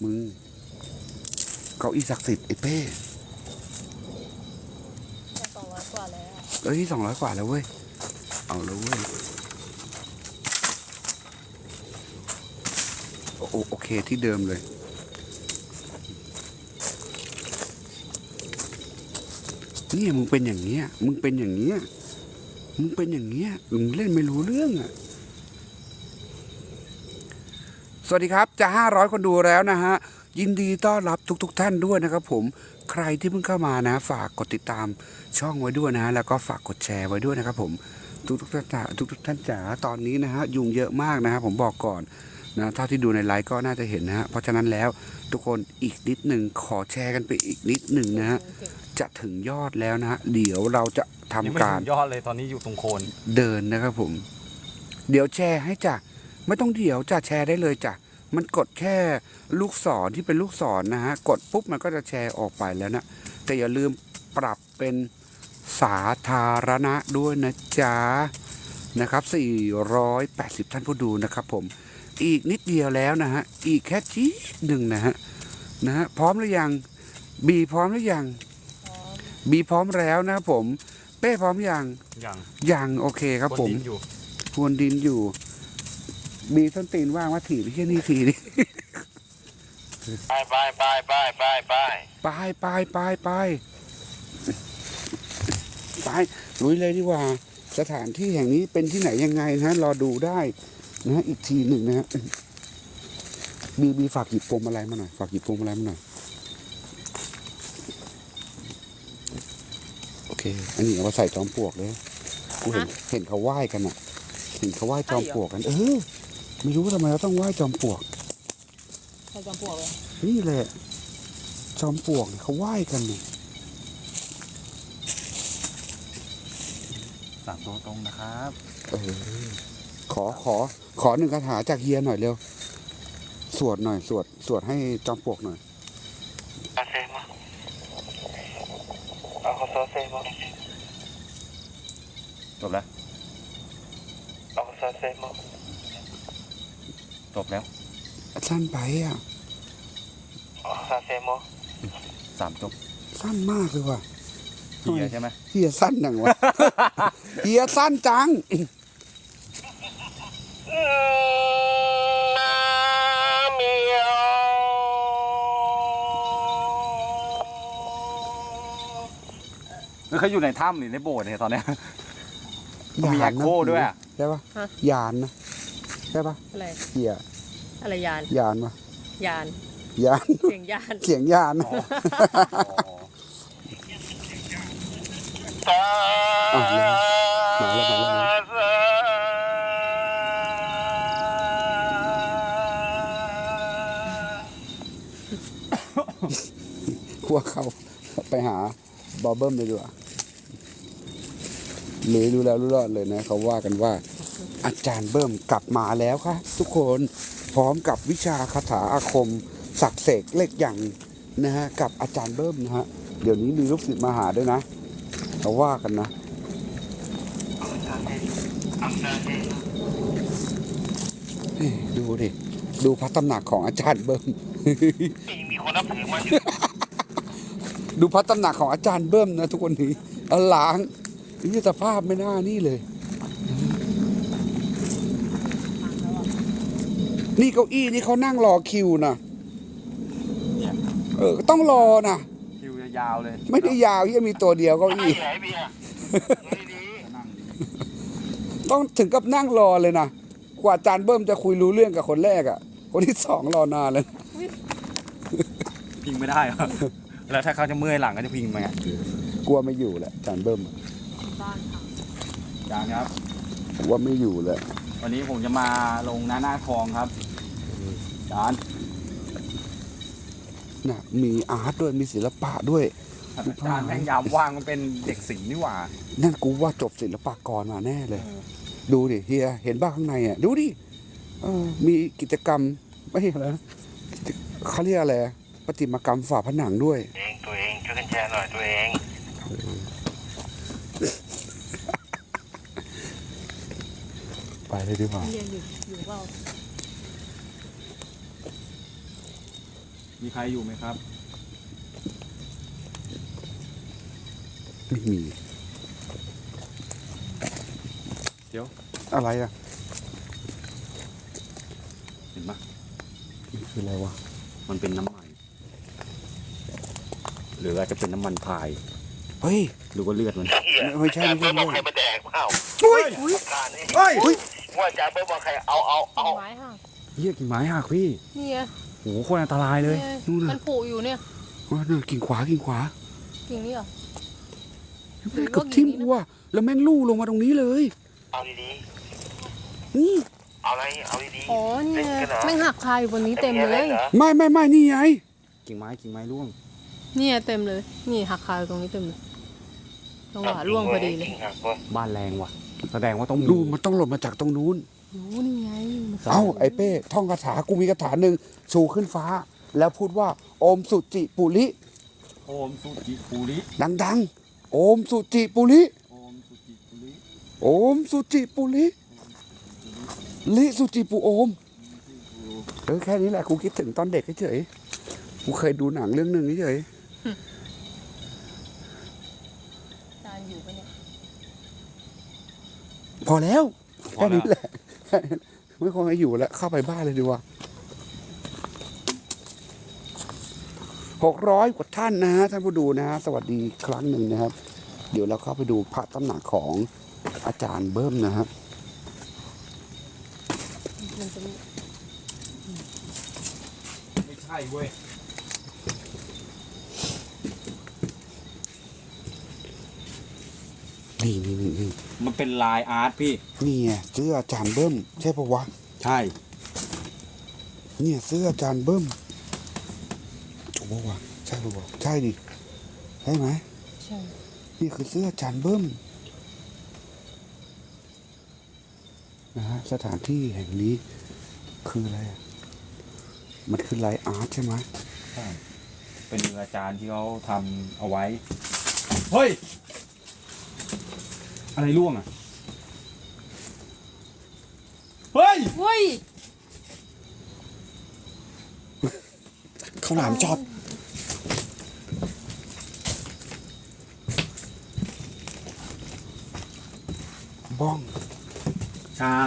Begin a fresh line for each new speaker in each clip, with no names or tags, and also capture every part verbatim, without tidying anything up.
มึงเก้าอี้ศักดิ์สิทธิ์ไอ้เป้
สองร้อยกว่าแล้ว
เอ้ยสองร้อยกว่าแล้วเว้ยเอาแล้วเว้ยโอโอเคที่เดิมเลยนี่มึงเป็นอย่างเงี้ยมึงเป็นอย่างเงี้ยมึงเป็นอย่างเงี้ยมึงเล่นไม่รู้เรื่องอ่ะสวัสดีครับจะห้าร้อยคนดูแล้วนะฮะยินดีต้อนรับทุกๆ ท, ท่านด้วยนะครับผมใครที่เพิ่งเข้ามานะฝากกดติดตามช่องไว้ด้วยนะแล้วก็ฝากกดแชร์ไว้ด้วยนะครับผมทุกๆท่านจ๋าทุกๆท่านจ๋าตอนนี้นะฮะยุงเยอะมากนะครับผมบอกก่อนนะเท่าที่ดูในไลฟ์ก็น่าจะเห็นนะฮะเพราะฉะนั้นแล้วทุกคนอีกนิดหนึ่งขอแชร์กันไปอีกนิดหนึ่งนะฮะจะถึงยอดแล้วนะฮะเดี๋ยวเราจะทำการ
ยอดเลยตอนนี้อยู่ตรงโคน
เดินนะครับผมเดี๋ยวแชร์ให้จ้ะไม่ต้องเดี๋ยวจะแชร์ได้เลยจ้ะมันกดแค่ลูกศรที่เป็นลูกศรนะฮะกดปุ๊บมันก็จะแชร์ออกไปแล้วนะแต่อย่าลืมปรับเป็นสาธารณะด้วยนะจ๊ะนะครับสี่ร้อยแปดสิบท่านผู้ดูนะครับผมอีกนิดเดียวแล้วนะฮะอีกแค่จี๊ดหนึ่งนะฮะนะฮะพร้อมหรือยังบีพร้อมหรือยังบีพร้อมแล้วนะครับผมเป้พร้อมยัง
ยัง
ยังโอเคครับผมพรวนดินอยู่มีส้นตีนว่างว่าถีบไปแค่นี้ทีนี่
ไปไปไปไปไปไป
ไปไปไปไปไปลุยเลยดีกว่าสถานที่แห่งนี้เป็นที่ไหนยังไงนะรอดูได้นะอีกทีหนึ่งนะฮะบีบีฝากหยิบพวงมาลัยมาหน่อยฝากหยิบพวงมาลัยมาหน่อยโอเคอันนี้เอามาใส่จอมปลวกเลยกูเห็นเห็นเขาไหว้กันอ่ะเห็นเขาไหว้จอมปลวกกันเออไม่รู้ทำไมเราต้องไหว้จอมปลวก
ใครจอมปลวกเลย
นี่แหละจอมปลวกเขาไหว้กันเนี่ย
สามตัวตรงนะครับ
เออขอขอขอหนึ่งคาถาจากเฮียหน่อยเร็วสวดหน่อยสวดสวดให้จอมปลวกหน่อย
อาเซมาเอาโซเซมา
จบแล้ว
เอาโซเซมา
จบแล้ว
สั้นไปอ่ะ
ซาเซโม
สามจบ
สั้นมากเลยว่ะ
เฮียใช่ไหม
เฮียสั้นจังวะเฮียสั้นจัง
เขาอยู่ในถ้ำหรือในโบสถ์เนี่ยตอนนี้มีแอคโคด้วยอ่ะ
ใช่ปะยานนะใช่ปะ
อะไร
เฮีย
อะไรยาน
ยานปะ
ยาน
ยาน
เสียงยาน
เสียงยานอ่ะมาแล้วมาแล้วพวกเขาไปหาบอเบิ้มเลยดีกว่าหรือรู้แล้วรู้รอดเลยนะเขาว่ากันว่าอาจารย์เบิ้มกลับมาแล้วค่ะทุกคนพร้อมกับวิชาคาถาอาคมศักดิ์เสกเลขอย่างนะฮะกับอาจารย์เบิ้มนะฮะเดี๋ยวนี้มีลูกศิษย์มาหาด้วยนะเขาว่ากันนะดูดิดูพระตำหนักของอาจารย์เบิ้ม
มีคนนับถือมา
ดูพระตำหนักของอาจารย์เบิ้มนะทุกคนนี้อล้างนี่สภาพไม่น่านี่เลยนี่เก้าอี้นี่เขานั่งรอคิวนะเออต้องรอนะ
คิวยาวเลย
ไม่ได้ยาวที่มีตัวเดียวเก้าอี้ต้องถึงกับนั่งรอเลยนะกว่าอาจารย์เบิ้มจะคุยรู้เรื่องกับคนแรกอ่ะคนที่สองรอนานเลย
พิงไม่ได้เหรอแล้วถ้าเขาจะเมื่อยหลังก็จะพิงมาไง
กลัวไม่อยู่แหละอาจารย์เบิ้ม
ยังครับ
ว่าไม่อยู่เลย
วันนี้ผมจะมาลงหน้าหน้าทองครับอาจารย์
น่ะมีอาร์ตด้วยมีศิลปะด้วย
อาจารย์แม่งยามว่างมันเป็นเด็กศิลป์นี่หว่า
นั่นกูว่าจบศิลปากรมาแน่เลยดูดิเฮียเห็นบ้างข้างในอ่ะดูดิมีกิจกรรมไม่ใช่อะไรเขาเรียกอะไรประติมากรรมฝาผนังด้วย
เองตัวเองช่วยกันแชร์หน่อยตัวเอง
ไปเลยดีกว่า
เรียนอยู่อยู่เปล่า
มีใครอยู่ไหมครับ
ไม่มี
เดี๋ยว
อะไรอ่ะ
เห็นปะ
มันคืออะไรวะ
มันเป็นน้ำมัน หรืออาจจะเป็นน้ำมันพาย
เฮ้ย
หรือว่าเลือดมัน
เหี้ย
ไม่ใช่
จ่า
ไม่
เบิ้
ใช่
มบอกใครมาแดกเปล่า
อุ้ย
การนี่
เฮ้ย
ว่าจ่าเบิ้มบอกใครเอาเอาเอา
ไม้ห่าง
เหี้ยกิ่งไม้หักพี่
นี่ไง
โหโคตรอันตรายเลย
นี่ไง
นู่นน่ะ
มันผุอยู่เนี่ย
ว่าน่ะกิ่งขวากิ่งขวา
กิ่งนี้เหรอ
แม่งเกับทิ่มกูว่ะแล้วแม่งลู่ลงมาตรงนี้เลย
เอาดี
นี่
ๆเอาอะไรเอาดีๆ
อ๋อนี่ไง
เล่นกันเหรอ
แม่งหักคาอยู่บนนี้เต็มเลย
ล่นหรอ
ไม่ไม่ไม่นี่ไง
กิ่งไม้กิ่งไม้ร่วง
เนี่ยเต็มเลย นี่หักคาอยู่ตรงนี้เต็มเลยจังหวะร่วงพอดีเลย
จริงหักเว้ย
บ้านแรงว่ะ แสดงว่าต้องมี
ดูมันต้องหล่นมาจากตรงนู้น
รู้นี่ไงมัน
เอ้าไอ้เป้ท่องคาถากูมีคาถาหนึ่งชูขึ้นฟ้า แล้วพูดว่าโอมสุจิปุริ
โอมสุจิปุริ
ดังๆ โอมสุจิปุริ
โอมสุจิปุริ
โอมสุจิปุริลิสุจิปุโอมเออแค่นี้แหละกูคิดถึงตอนเด็กเฉยๆกูเคยดูหนังเรื่องหนึ่งเฉย
จานอยู่ปะเนี่ย
ๆพอแล้วแค่นี้แหละแค่นี้ไม่ควรจะอยู่แล้วเข้าไปบ้านเลยดีกว่าหกร้อยกว่าท่านนะฮะท่านผู้ดูนะฮะสวัสดีอีกครั้งหนึ่งนะครับ เดี๋ยวเราเข้าไปดูพระตำหนักของอาจารย์เบิ้มนะครับ
มันจะมี
ไม่ใช่เว้ย
นี่นี่นี่นี่
มันเป็นลายอาร์ตพี่
นี่ไงเสื้ออาจารย์เบิ้มใช่ปะวะ
ใช่
เนี่ยเสื้ออาจารย์เบิ้มถูกปะวะใช่ปะวะใช่ดิใช่ไหม
ใช่
นี่คือเสื้ออาจารย์เบิ้มนะฮะสถานที่แห่งนี้คืออะไรอะมันคือไลน์อาร์ตใช่ไหม
ใช่ เป็นมืออาจารย์ที่เขาทำเอาไว้ เฮ้ย อะไรร่วงอ่ะ เฮ้ย
เฮ้ย
ข้าวหลามช็อตบ้อง
ชา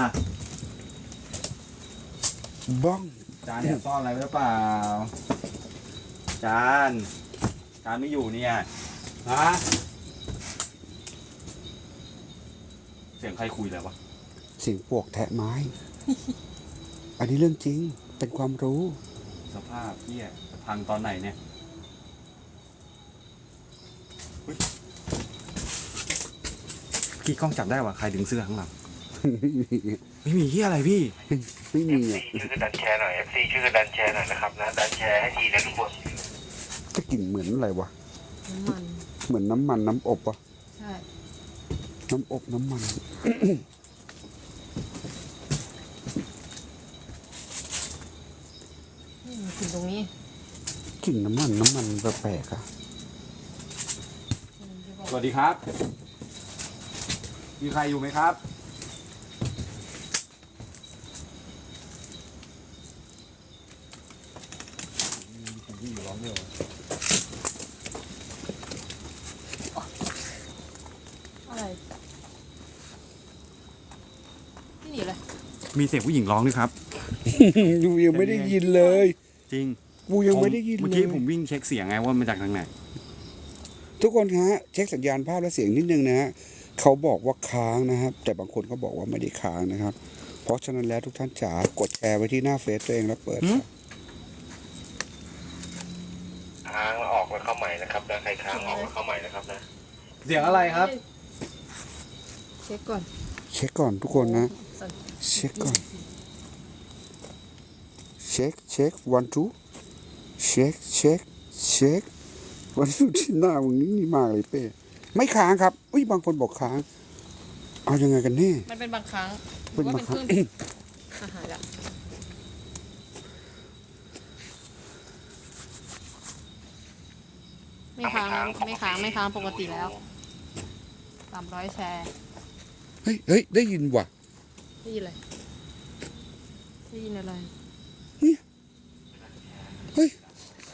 บ้อง
จานเนี่ยซ่อนอะไรไว้หรือเปล่า จานจานไม่อยู่เนี่ยฮะเสียงใครคุยอะไรวะ
เสียงปวกแทะไม้ อันนี้เรื่องจริงเป็นความรู้
สภาพเที่ยจะพังตอนไหนเนี่ยเฮ้ยพี่กล้องจับได้ว่าใครดึงเสื้อข้างหลัง ไม่มีเที่ยอะไรพี่
ไม่มีอ่ะ
ช่วยกันดันแชร์หน่อย เอฟ ซี ช่วยกันดันแชร์หน่อยนะครับนะดันแชร์ให้ทีนะทุกคน
จะกลิ่นเหมือนอะไรวะ
น้ำมัน
เหมือนน้ำมันน้ำอบวะ
ใช่
น้ำอบน้ำมัน
นี่มันถึงตรงนี้
กลิ่นน้ำมันน้ำมันแปลกๆอะ
สวัสดีครับ มีใครอยู่ไหมครับ
อะไรที่นี่เลย
มีเสียงผู้หญิงร้องด้วยครับ
ยูยังไม่ได้ยินเลย
จริง
กูยังไม่ได้ยิน
เมื่อ
เล
กี้
ย
ผมวิ่งเช็คเสียงไงว่ามาจากทางไหน
ทุกคนฮะเช็คสัญญาณภาพและเสียงนิดนึงนะฮะเขาบอกว่าค้างนะครับ แต่บางคนเขาบอกว่าไม่ได้ค้างนะครับ เพราะฉะนั้นแล้วทุกท่านจ๋ากดแชร์ไว้ที่หน้าเฟซตัวเองแล้วเปิด
หืม
ค้างแล้วออกแล้วเข้าใหม่นะครับนะใครค้างออกแล้วเข้าใหม่นะครับนะ
เสียงอะไรครับ
เช็คก่อน
เช็คก่อนทุกคนนะ
สั่น
เช็คก่อน เช็คเช็ควันทูเช็คเช็คเช็ควันทูที่หน้ามึงนี่มากเลยเป้ไม่ค้างครับอุ้ยบางคนบอกค้าง เอายังไงกันแน่
มันเป็นบางครั้งห
เป็
รื
น
อว่า
บาง
เป็น
ค
ค
รั้
รึ่
ง
งอาหารละไม่ค้างไม่ค้างไม่ค้างปกติแล้วสามร้อยแชร์
เฮ้ยเฮ้ยได้ยินว่ะ
ได้ยินอะไรได้ยินอะไร
เฮ้ย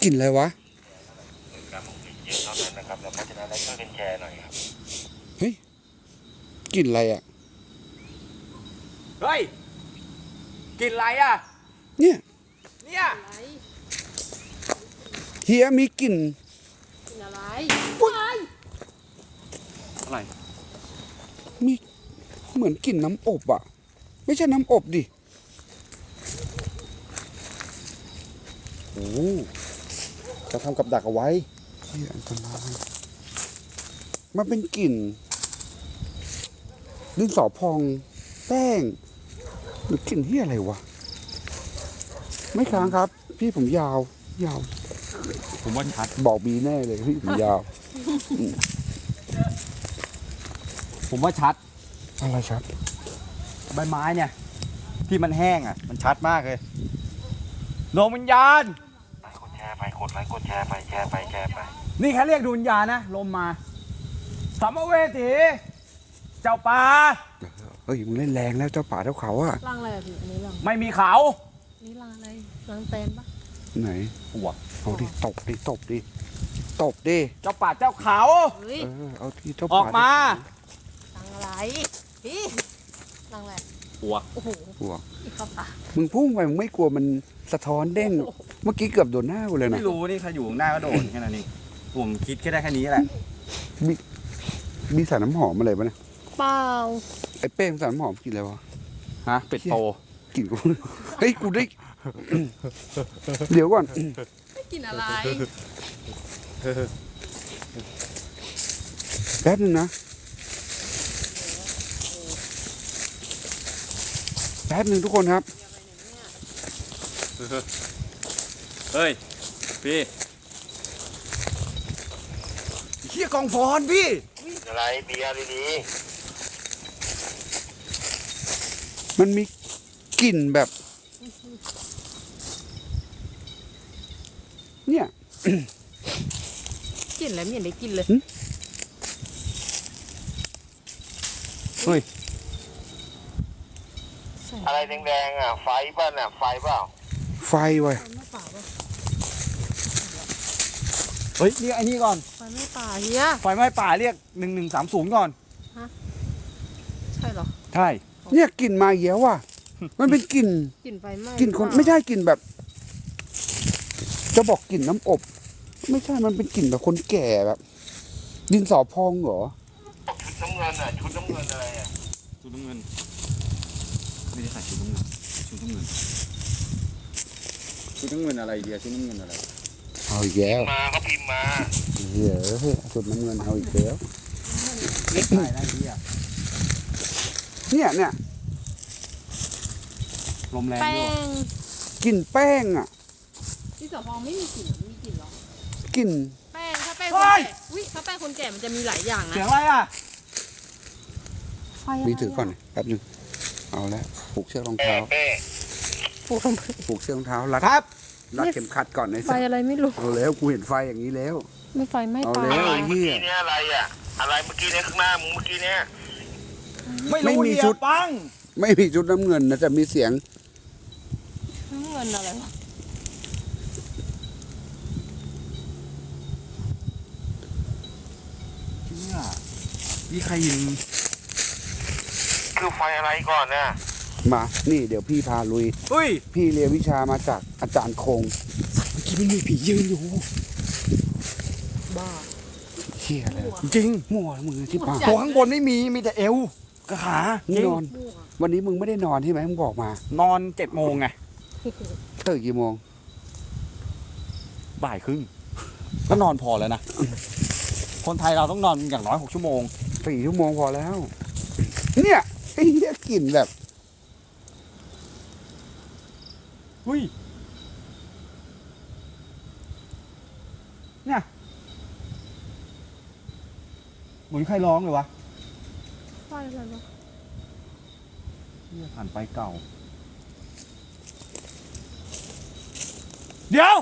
กลิ่นอะไรวะ
การมองเห็นเยอะเท่านั้นนะครับแล้วเพราะฉะนั้นเราช่วยกันแชร์หน่อยครับ
เฮ้ยกลิ่นอะไรอ่ะ
เฮ้ย กินอะไรอ่ะ
เนี่ย
เนี่ย
อะไร
เฮียมีกลิ่น
กินอะไร
อะไร
มีเหมือนกลิ่นน้ำอบอ่ะ ไม่ใช่น้ำอบดิโอ้จะทำกับดักเอาไว้เฮียอันตรายมันเป็นกลิ่นดินสอพองแป้งหรือกลิ่นที่อะไรวะ ไม่ค้างครับ พี่ผมยาว ยาว
ผมว่าชัด
บอกบีแน่เลยพี่ผมยาว
ผมว่าชัด
อะไรครับ
ใบไม้เนี่ย ที่มันแห้งอ่ะ มันชัดมากเลยดวงวิญญาณ
ไลค์กดแชร์ไปกดไลค์กดแชร์ไปแชร์ไปแชร์ไป
นี่แค่เรียกดวงวิญญาณนะ ลมมาสัมภเวสีเจ้าป่า
เฮ้ยมึงเล่นแรงแล้วเจ้าป่าเจ้าเขาอะ
รังอะไรอะพี่อันนี้รัง
ไม่มีเขา
อันนี้รังอะไรรังแตนปะ
ไหน
หัว
เอาดิตบดิตบดิตบดิ
เจ้าป่าเจ้าเขา
เฮ้ย
เออเอาที่เจ้า
อ
ป่า
อกมา
รังอะไรพี่รังอะไร
หัว
โอ้โห
หัว
อีกข้าวปลา
มึงพุ่งไปมึงไม่กลัวมันสะท้อนเด้ง เมื่อกี้เกือบโดนหน้ากูเลยนะ
ไม่รู้นี่ใครอยู่ข้างหน้าก็โดนแค่นั้นเองผมคิดแค่ได้แค่นี้แหละ
มีมีสารน้ำหอมอะไรปะเนี่ย
เปล่า
ไอ้เป้งสารน้ำหอมกินอะไรวะ
ฮะเป็ดโต
กินกู เฮ้ยกูได้ เดี๋ยวก่อน
ไม่กินอะไร
แป๊บนึงนะแป๊บนึงทุกคนครับ
เฮ้ยพี่เฮียกองฟอนพี่
อะไรเบียร์ดี
มันมีกลิ่นแบบ เนี่ย
กินอะไรไม่เห็นได้กินเลย
เฮ้ย
ใส่
ๆอะไรแดงๆอ่ะไฟป่ะน่ะไฟเปล่า
ไฟเว้ย
ไฟไม่ป่าปะ
เฮ้ยเรียกไอ้นี่ก่อน
ไฟไม่ป่าเฮีย
ไฟไหม้ป่าเรียกหนึ่งหนึ่งสามศูนย์ก่อน
ใช่เหรอ
ใช่
เนี่ยกลิ่นมาเยอะว่ะ มันเป็นกลิ่น
กลิ่นไฟไหม้
กลิ่นคน
หรือเปล่า
ไม่ใช่กลิ่นแบบ จะบอกกลิ่นน้ำอบ ไม่ใช่มันเป็นกลิ่นแบบคนแก่แบบ ดินสอพองเหรอ
ชุดน้ำเงินอ่ะชุดน้ำเงินอะไรอ่ะ
ชุดน้ำเงินไม่ได้ใส่ชุดน้ำเงินชุดน้ำเงินชุดน้ำเงินอะไรเดียชุดน้ำเงินอะไร
เอาอีกแล้ว
มาเขาพิมพ์มา
เหี้ยเฮ้ยสุดน้ำเงินเอาอีกแล้ว
เล็กได้นะเฮีย
เนี่ยเนี่ย
ลมแรง
แป้
ด้วย
ง
กลิ่นแป้งอ่ะ
ที่สพองไม่มีกลิ่นเหรอมีกลิ่นเหรอก
ลิ่น
แป้งถ้าแป้งคนแก่อุ้ยถ้าแป้งคนแก่มันจะมีหลายอย่างนะ
เสียงอะไรอ่ะ
ไฟะไร
มีถือก่อนแป๊บนึงเอาแล้วผูกเชือกรอง
เป้
เท้า
เป้
ฟูทำไม
ผูกเชือกรองเท้ารัด
ครับ
รัดเข็มขัดก่อนไอ้
ไฟ
สัส
อะไรไม่รู้
เอาแล้วกูเห็นไฟอย่างนี้แล้ว
ไม่ไฟไม่
เอา
ป่า
แล้ว
อะไรเมื่อกี้เนี่ยอะไรอ่ะอะไรเมื่อกี้เนี่ยข้างหน้ามึงเมื่อกี้เนี่ย
ไม่
ไม่
รู้
มี
เฮีย
ชุด
ปัง
ไม่มีชุดน้ำเงินนะแต่มีเสียง
น้ำเงินอะไรวะ
เฮียนี่ใครยิง
คือไฟอะไรก่อนน่ะ
มา นี่เดี๋ยวพี่พาลุย
เฮ้ย
พี่เรียนวิชามาจากอาจารย์คง เมื่อกี้มันมีผียืนอยู่
บ้า
เฮียอะไร
จริง
มั่วมึงที่ป่า
จัด
ตัวข้างบนไม่มีมีแต่เอวกับขา
มึงนอน
มั่ว
วันนี้มึงไม่ได้นอนใช่ไหมมึงบอกมา
นอนเจ็ดโมงไง
ตื่นกี่โมง
บ่ายครึ่งก็นอนพอแล้วนะ คนไทยเราต้องนอนอย่างน้อยหกชั่วโมง
สี่ชั่วโมงพอแล้ว เนี่ยไอ้เหี้ยกลิ่นแบบ
เฮ้ย เนี่ย เหมือนใครร้องเลยวะ
ไฟอะไรวะ
เนี่ยผ่านไปเก่า เดี๋ยว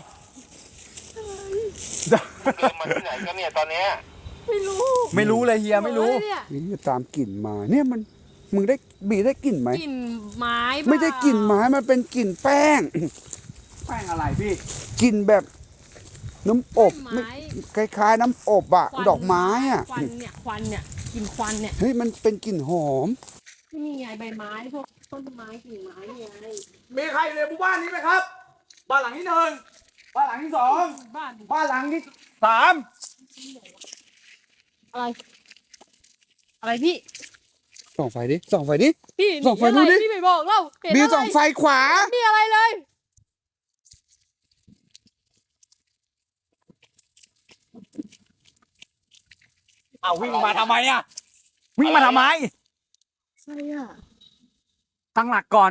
เดินมาที่ไหนกันเนี่ยตอนเนี้ย
ไม่รู้
ไม่รู้เลยเฮียไม่รู้
เฮ้ยเนี่ย
นี่ตามกลิ่นมา เนี่ยมัน มึงได้บีได้กลิ่นไหม
กลิ่นไม้เปล่า
ไม่ได้กลิ่นไม้มันเป็นกลิ่นแป้ง
แป้งอะไรพี่
กลิ่นแบบน้ำอบ
ไม้
ไม่คล้ายๆน้ำอบอะ
ควัน
ดอกไม้อะ
ควันเนี่ยควันเนี่ยกลิ่นควันเนี่ย
เฮ้ยมันเป็นกลิ่นหอม
นี่ไงใบไม้พวกต้นไม้กิ่งไม้นี่ไง
มีใครอยู่ในหมู่บ้านนี้ไหมครับ บ้านหลังที่หนึ่งบ้านหลังที่สอง
บ้าน
บ้านหลังที่สาม
อะไร อะไรพี่
ส่องไฟดิ ส่องไฟดิ
พี่
ส่องไฟ
มีอะไร
ดูดิ
พี่ไม่บอกเราเห็น
บี
อะไร
ส่องไฟขวา
มีอะไรเลย
เอาวิ่งมาทำไมอ่ะ วิ่งมาทำไม
อะไรอ่ะ
ตั้งหลักก่อน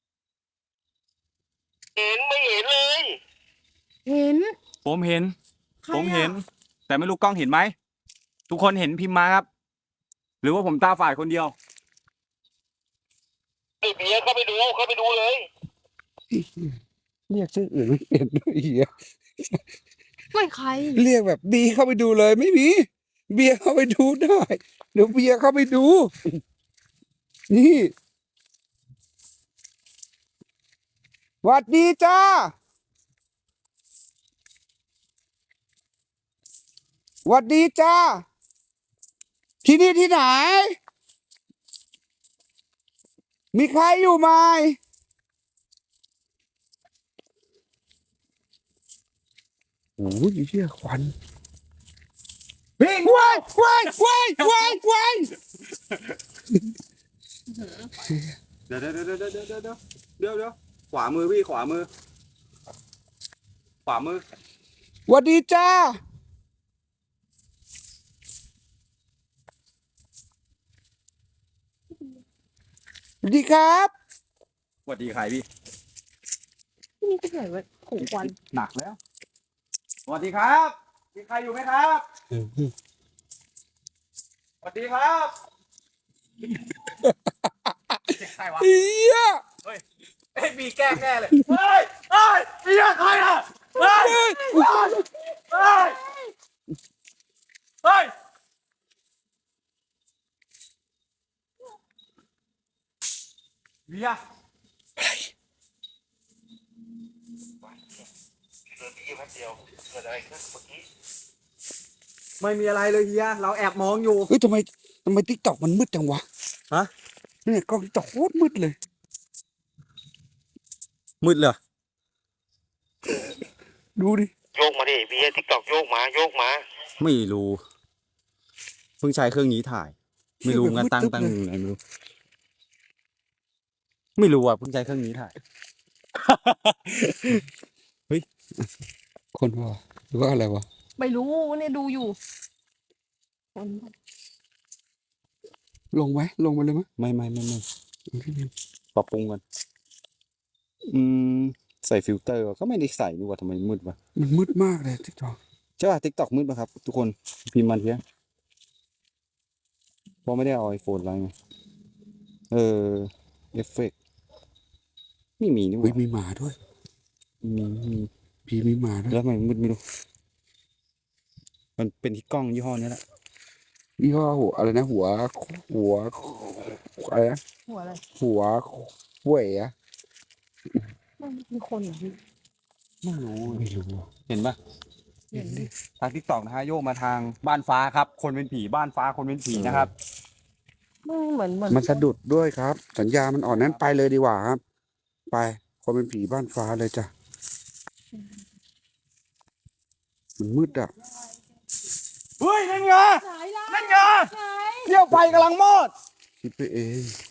เห็นไม่เห็นเลย
เห็น
ผมเห็น
ใคร
ผม
อะ
เห็น แต่ไม่รู้กล้องเห็นไหม ทุกคนเห็นพิมพ์มาครับ หรือว่าผมตาฝาดคนเดียว
ไอ้เบียร์เข้าไปดูเข้าไปดูเลย
เรียกชื่ออื่นไม่เห็นด้วยเหี้ย
ไม่ใคร
เรียกแบบบีเข้าไปดูเลยไม่มี เบียร์เข้าไปดูได้ เดี๋ยวเบียร์เข้าไปดู นี่หวัดดีจ้าหวัดดีจ้า ที่นี่ที่ไหน มีใครอยู่ไหมโอ้ยเชี่ยควัน
วิ่ง
ว้ายว้ายว้ายว้ายว้าย
เดี๋ยวเดี๋ยวเดี๋ยวเดี๋ยวเดี๋ยวเดี๋ยวเดี๋ยวเดี๋ยวขวามือพี่ขวามือ ขวามือ
หวัดดีจ้า สวัสดีครับ
สวัสดีใครพี่
ที่นี่ที่ไหนวะขงควัน
หนักแล้ว สวัสดีครับ มีใครอยู่ไหมครับ สวัสดีครับใครวะ
เฮีย
เฮ้ยเอ้ยมีแกล้งแน่เลย เฮ้ย เฮ้ยเฮียใครอ่ะ เฮ้ย เฮ้ย เฮ้ย เฮ้ย เฮีย
เดินไปยี่แป๊บเดียวเกิดอะไรขึ้นเมื่อกี้
ไม่มีอะไรเลยเฮีย เราแอบมองอยู่
เฮ้ยทำไมทำไมติ๊กตอกมันมืดจังวะ
ฮะ
เนี่ยกล้องติ๊กตอกโคตรมืดเลย
มืดเลย
ดูดิ
โยกมาดิเบียร์ติ๊กตอกโยกมาโยกมา
ไม่รู้ เพิ่งใช้เครื่องนี้ถ่าย ไม่รู้งั้นตั้งตั้งยังไงไม่รู้ ไม่รู้อ่ะเพิ่งใช้เครื่องนี้ถ่าย
คนว่าหรือว่าอะไรวะ
ไม่รู้เนี่ยดูอยู่คน
ลงไหมลงมาเลยไหม
ไม่ไม่ไม่ไม่ปรับปรุงกันอืมใส่ฟิลเตอร์ก็ไม่ได้ใส่นี่หว่าทำไมมืดวะ
มันมืดมากเลยติ๊กตอก
ใช่ป่ะทิกตอกมืดป่ะครับ ทุกคนพิมพ์มันเพี้ยเพราะไม่ได้เอาไอโฟนอะไรไงเออเอฟเฟกไม่มีนี่ห
เฮ้ย
ว่า
มีหมาด้วย
มีมี
พี่มีหมาด้วย
แล้วทำไมมืดไม่รู้ มันเป็นที่กล้องยี่ห้อนี้แหละ
ยี่ห้อหัวอะไรนะหัว หัวอะไรนะ
หัวอะไร
หัวเว่ยอะ
ไม่มีคนเหรอพี่
ไม่รู้
ไม่รู้
เห็นป่ะ
เห็นดิ
ทางทิกตอกนะฮะโยกมาทางบ้านฟ้าครับ คนเป็นผีบ้านฟ้าคนเป็นผีนะครับ
มันเหมือนเหมือน
มันสะดุดด้วยครับ สัญญามันอ่อนนั้นไปเลยดีกว่าครับ ไปคนเป็นผีบ้านฟ้าเลยจ้ะมันมืดอ่ะ
เฮ้ยนั่นไง
ไหนล่ะ
นั่นไง
ไหน
เที่ยวไฟกำลังมอด
คิดไปเอง